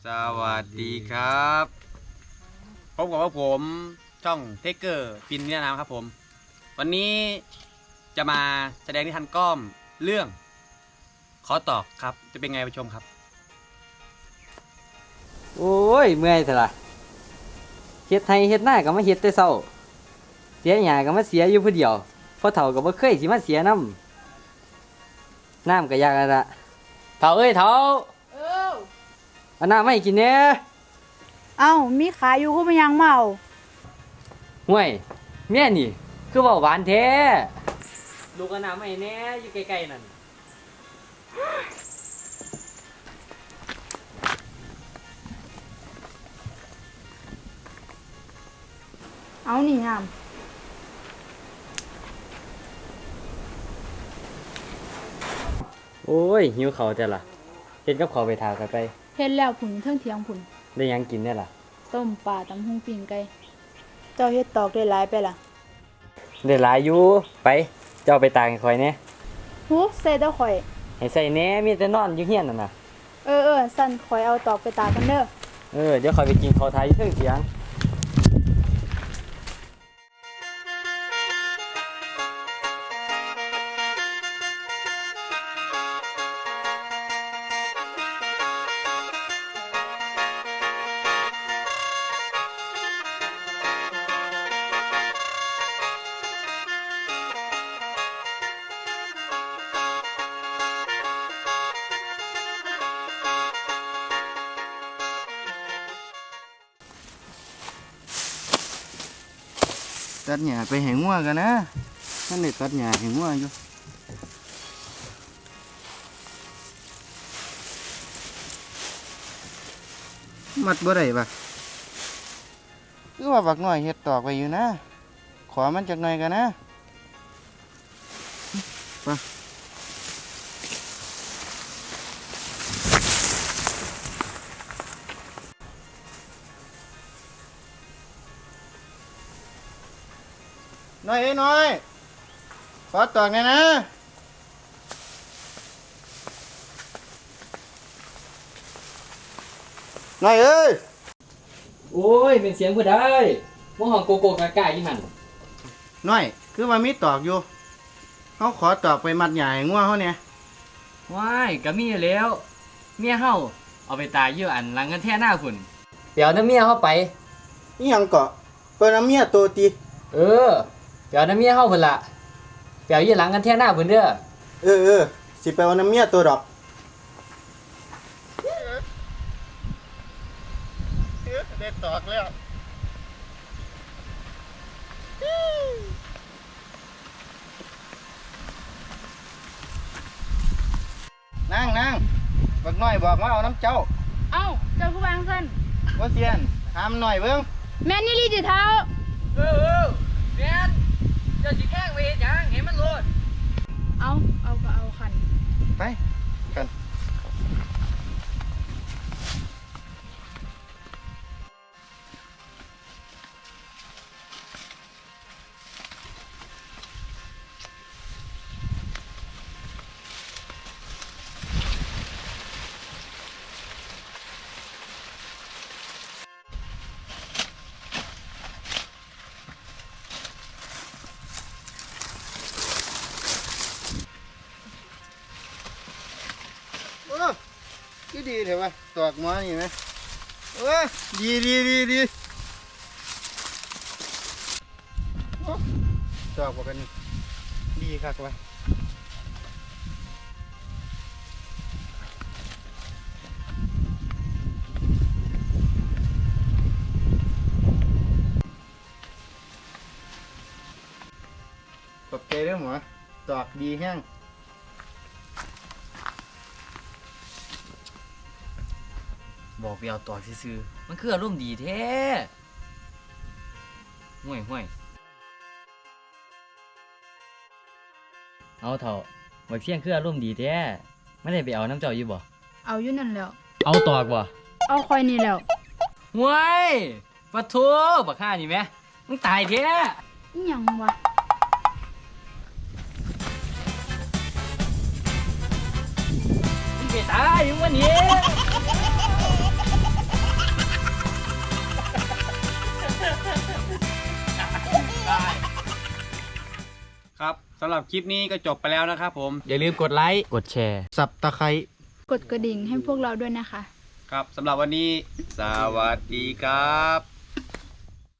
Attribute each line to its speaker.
Speaker 1: สวัสดีครับพบกับผมช่องเทเกอร์ปินเนี่ยนะครับผมวันนี้จะมาแสดงนิทานก้อมเรื่องขอตอกครับจะเป็นไงไปชมครับ
Speaker 2: โอ้ยเมื่อยเถอะล่ะเฮ็ดให้เฮ็ดหน้าก็มาเฮ็ดแต่เช้าเสียหญ้าก็มาเสียอยู่ผู้เดียวพอเฒ่าก็บ่เคยสิมาเสียน้ำก็ยากแล้วล่ะเฒ่าเอ้ยเฒ่าเอาน้ำมาให้กินแหน่
Speaker 3: เอ้ามีขายอยู่ก็ไม่ยังเมา
Speaker 2: ห่วยแม่นี่คือเว้าหวานแท้ลูกเอาน้ำมาให้แหน่อยู่ใกล้ๆนั่น
Speaker 3: เอานี่น้
Speaker 2: โอ้ยหิวข้าวจ้ะล่ะเฮ็ดกับข้าวไปทากันไป
Speaker 3: ำเฮ็ดแล้วผุนเทิงเถียงผุน
Speaker 2: ได้หยังกินได้ล่ะ
Speaker 3: ต้มปลาตำหุงปิ้งไก่เจ้าเฮ็ดตอกได้หลายไปล่ะ
Speaker 2: ได้หลายอยู่ไปเจ้าไปตากให้ข่อยแหน่
Speaker 3: หูใส่เต้าข่อย
Speaker 2: ให้ใส่แหน่มีแต่นอนอยู่เฮียนนั่นน่ะ
Speaker 3: สั่นข่อยเอาตอกไปตากกันเด้อ
Speaker 2: เดี๋ยวข่อยไปกินข้าวทาอยู่เทิงเถียง
Speaker 4: ตัดหญ้าไปให้งัวกันนะท่านได้ตัดหญ้าให้งัวอยู่มัดบ่ได้ปะคือว่าบักน้อยเฮ็ดตอกไว้อยู่นะขอมันจักหน่อยกันนะไปน้อยเอ้ยน้อยขอตอกหน่อยนะน้อยเอ้ย
Speaker 2: โอ้ยเป็นเสียงผู้ใดบ่ห้องโกโก้กากาอยู่หั่น
Speaker 4: น้อยคือว่ามีตอกอยู่เขาขอตอกไปมัดใหญ่งัวเขาเนี่ย
Speaker 2: ว้ายก็มีแล้วเมียเฮาเอาไปตายอยู่อันหลังกันแท้หน้าพุ่นเดี๋ยวน้ำเมียเฮาไป
Speaker 4: นี่ยังเกาะเปิ้นเอาเมียโตตี
Speaker 2: เดี๋ยวน้ำเมียเฮาพุ่นล่ะเดี๋ยวอยู่หลังกันแท้หน้าพุ่นเด้อ
Speaker 4: สิไปเอาน้ำเมียตัวดอกได้ตอกแล้วนั่งบักน้อยบอกว่าเอาน้ำเจ้า
Speaker 3: เอ้าเจ้าผู้วางสั่น
Speaker 4: ว่าเซียนถามหน่อยเบิ่ง
Speaker 3: แม่นนี่ลีจิเท้า
Speaker 2: แม่นเจ้าสิแกล้งไปเฮ็ดหยังให้มันโลด
Speaker 3: เอาก็เอาคัน
Speaker 4: ไปกันก็ดีเถอะวะตอกหม้อนี่ไหมดีโอ้ตอกบอกกันนี่ดีคักวะขอบใจเด้อหมอตอกดีแห้ง
Speaker 2: บอกไปเอาต่อซื่อๆมันคืออารมณ์ดีแท้ห่วยเอาเถอะบักเสียงคืออารมณ์ดีแท้ไม่ได้ไปเอาน้ำเจ้าอยู่บ่
Speaker 3: เอาอยู่นั่นแล้ว
Speaker 2: เอาตอกบ่
Speaker 3: เอาคอยนี่แล้ว
Speaker 2: ห่วยปะโถบักห่านี่แหมมึงตายแท้
Speaker 3: อิหยังวะ
Speaker 2: มึงไปตายอยู่วันนี้
Speaker 1: สำหรับคลิปนี้ก็จบไปแล้วนะครับผมอย่าลืมกดไลค์
Speaker 2: กดแชร์
Speaker 4: สับตะไคร้
Speaker 3: กดกระดิ่งให้พวกเราด้วยนะคะ
Speaker 1: ครับสำหรับวันนี้สวัสดีครับ